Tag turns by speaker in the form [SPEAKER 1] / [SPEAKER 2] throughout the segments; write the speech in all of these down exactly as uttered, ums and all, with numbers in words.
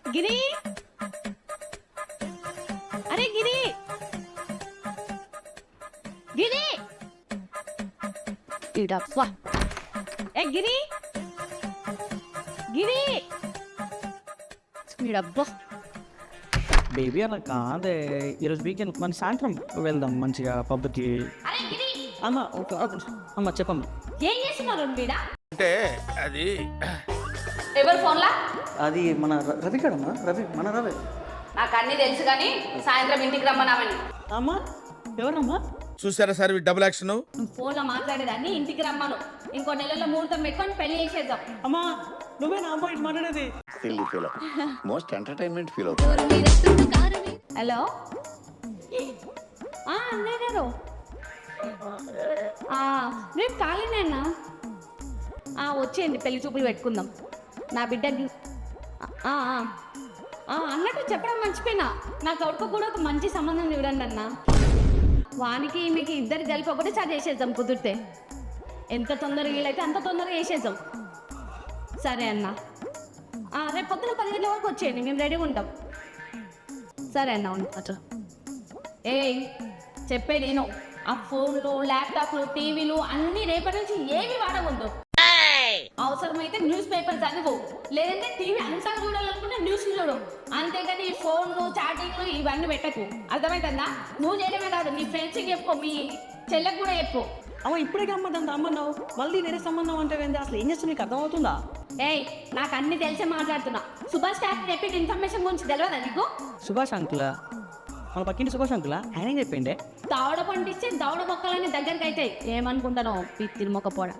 [SPEAKER 1] గిరి అరే గిరి గిరి ఇడప్పా ఏ గిరి గిరి ఇడబ్బా
[SPEAKER 2] బేబీ అలా కాదే ఈరోజు వీకెండ్ మన సాయంత్రం వెళ్దాం మంచిగా పబ్కి.
[SPEAKER 1] అరే గిరి
[SPEAKER 2] అమ్మ ఒక అమ్మ చెప్పమ్మ.
[SPEAKER 1] ఏం చేస్తున్నారు వీడా?
[SPEAKER 3] అంటే అది
[SPEAKER 1] ఎవరు ఫోన్లా?
[SPEAKER 2] అది మన ర- రవి కదమ్మా, రవి మన రవి.
[SPEAKER 1] నాకు అన్ని తెలుసు కానీ సాయంత్రం ఇంటికి రమ్మన్నామని.
[SPEAKER 2] అమ్మా ఎవరమ్మా?
[SPEAKER 3] చూసారా సార్ ఈ డబుల్ యాక్షన్.
[SPEAKER 1] ఫోన్లో మాట్లాడేదాన్ని ఇంటికి రమ్మను. ఇంకో నెలలో ముహూర్తం పెట్టుకొని పెళ్లి చేసేద్దాం.
[SPEAKER 2] అమ్మా నువ్వే నా అమ్మాయి మాట్లాడేది.
[SPEAKER 4] Silly feel most entertainment feel అవుతుంది.
[SPEAKER 1] హలో అన్నయ్య గారు, రేపు ఖాళీనేనా? వచ్చేయండి, పెళ్లి చూపులు పెట్టుకుందాం. నా బిడ్డకి ఆ, ఆ. ఆ, అన్నట్టు చెప్పడం మర్చిపోయినా, నా కొడుకు కూడా ఒక మంచి సంబంధం చూడండి అన్న. వానికి మీకు ఇద్దరు కలిపి ఒకటే చార్జ్ చేసేద్దాం కుదిరితే. ఎంత తొందరగా వీలైతే అంత తొందరగా వేసేద్దాం. సరే అన్న, రేపు పొద్దున పది గంటల వరకు వచ్చేయండి, మేము రెడీగా ఉంటాం. సరే అన్న ఉంటా. ఏ చెప్పేది నేను, ఆ ఫోన్లు ల్యాప్టాప్లు టీవీలు అన్నీ రేపటి నుంచి ఏమి వాడకూడదు. అవసరమైతే న్యూస్ పేపర్ చదువు, లేదంటే టీవీ అంతా చూడాలనుకుంటే న్యూస్ చూడు. అంతేగాని ఈ ఫోన్లు చాటింగ్లు ఇవన్నీ పెట్టకు, అర్థమవుతుందా? నువ్వు చేయడమే కాదు, నీ ఫ్రెండ్స్కి చెప్పు, మీ చెల్లెకు కూడా చెప్పు.
[SPEAKER 2] అమ్మ ఇప్పుడే అమ్మదంత అమ్మన్నావు, మళ్ళీ నేనే సంబంధం అంటే అసలు ఏం చేస్తా నీకు అర్థమవుతుందా?
[SPEAKER 1] ఏయ్ నాకు అన్ని తెలిసే మాట్లాడుతున్నా. సుభాష్ టాక్ చెప్పి ఇన్ఫర్మేషన్ గురించి తెలియదా నీకు?
[SPEAKER 2] సుభాష్ అంకులా? మన పక్కింటి సుభాష్ అంకులా? ఆయన ఏం చెప్పిండే?
[SPEAKER 1] దవడ పండిస్తే దవడ మొక్కలని దగ్గరికి అయితే ఏమనుకుంటానో పిత్తిరి మొక్క పోడ.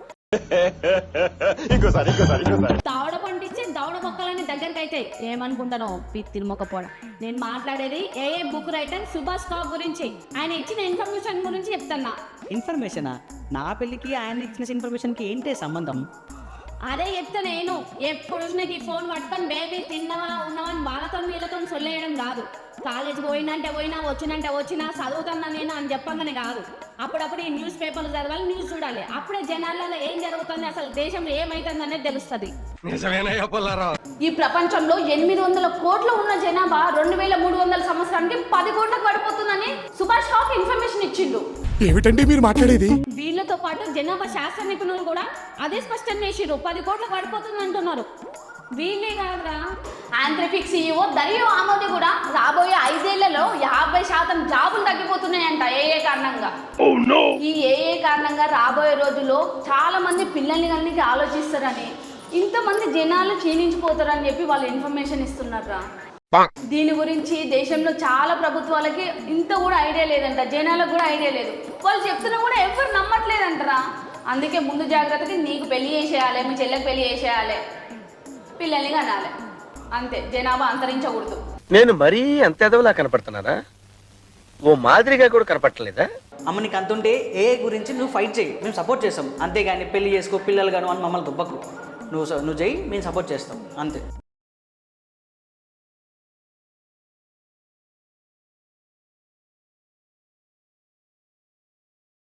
[SPEAKER 1] దవడ పండిస్తే దవడ మొక్కలని దగ్గరికి అయితే ఏమనుకుంటానో పిత్తిరి మొక్క పోడ. నేను మాట్లాడేది ఏ ఏ బుక్ రైటర్ సుభాష్ టాక్ గురించి, ఆయన ఇచ్చిన ఇన్ఫర్మేషన్ గురించి చెప్తున్నా.
[SPEAKER 2] ఇన్ఫర్మేషనా? నా పెళ్ళికి ఆయన ఇచ్చిన ఇన్ఫర్మేషన్కి ఏంటి సంబంధం?
[SPEAKER 1] అదే చెప్తా నేను. ఎప్పుడు నీకు ఈ ఫోన్ పట్టుకొని బేబీ తిన్నవా ఉన్నావని వాళ్ళతో వీళ్ళతో సొల్లేయడం కాదు. కాలేజీకి పోయినంటే పోయినా, వచ్చినంటే వచ్చినా, చదువుతున్నా నేను అని చెప్పగానే కాదు. అప్పుడప్పుడు ఈ న్యూస్ పేపర్లు చదవాలి, న్యూస్ చూడాలి. అప్పుడే జనాలలో ఏం జరుగుతుంది, అసలు దేశంలో ఏమైతుంది అనేది తెలుస్తుంది. ఈ ప్రపంచంలో ఎనిమిది వందల కోట్లు ఉన్న జనాభా రెండు వేల మూడు వందల సంవత్సరానికి పది కోట్లకు పడిపోతుందని సుభాష్ టాక్ ఇన్ఫర్మేషన్ ఇచ్చిండు.
[SPEAKER 3] ఏమిటండి మీరు మాట్లాడేది?
[SPEAKER 1] వీళ్ళతో పాటు జనాభా శాస్త్ర నిపుణులు కూడా అదే స్పష్టం చేసిరు, పది కోట్లకు పడిపోతుంది అంటున్నారు. వీళ్ళే కాదురా, ఆంథ్రఫిక్ సీఈఓ దరియో ఆమోది కూడా రాబోయే ఐదేళ్లలో యాభై శాతం జాబులు తగ్గిపోతున్నాయంట ఏఏ కారణంగా. ఈ ఏఏ కారణంగా రాబోయే రోజుల్లో చాలా మంది పిల్లల్ని కలిగి ఆలోచిస్తారని, ఇంతమంది జనాలు క్షీణించిపోతారని చెప్పి వాళ్ళు ఇన్ఫర్మేషన్ ఇస్తున్నారా. దీని గురించి దేశంలో చాలా ప్రభుత్వాలకి ఇంత కూడా ఐడియా లేదంట, జనాలకు కూడా ఐడియా లేదు. వాళ్ళు చెప్తున్నా కూడా ఎవరు నమ్మట్లేదంటరా. అందుకే ముందు జాగ్రత్తకి నీకు పెళ్లి చేసేయాలి, మీ చెల్లెకి పెళ్లి చేసేయాలి, పిల్లల్ని కనాలి, అంతే. జనాభా అంతరించకూడదు.
[SPEAKER 5] నేను మరీ అంత ఎదవలా కనపడుతున్నారా? ఓ మాదిరిగా కూడా కనపడలేదా?
[SPEAKER 2] అమ్మ నీకు అంతుంటే ఏ గురించి నువ్వు ఫైట్ చేయి, మేము సపోర్ట్ చేస్తాం. అంతేగాని పెళ్లి చేసుకో, పిల్లలు గాను అని మమ్మల్ని దుబ్బకు. నువ్వు నువ్వు చేయి, మేము సపోర్ట్ చేస్తాం, అంతే.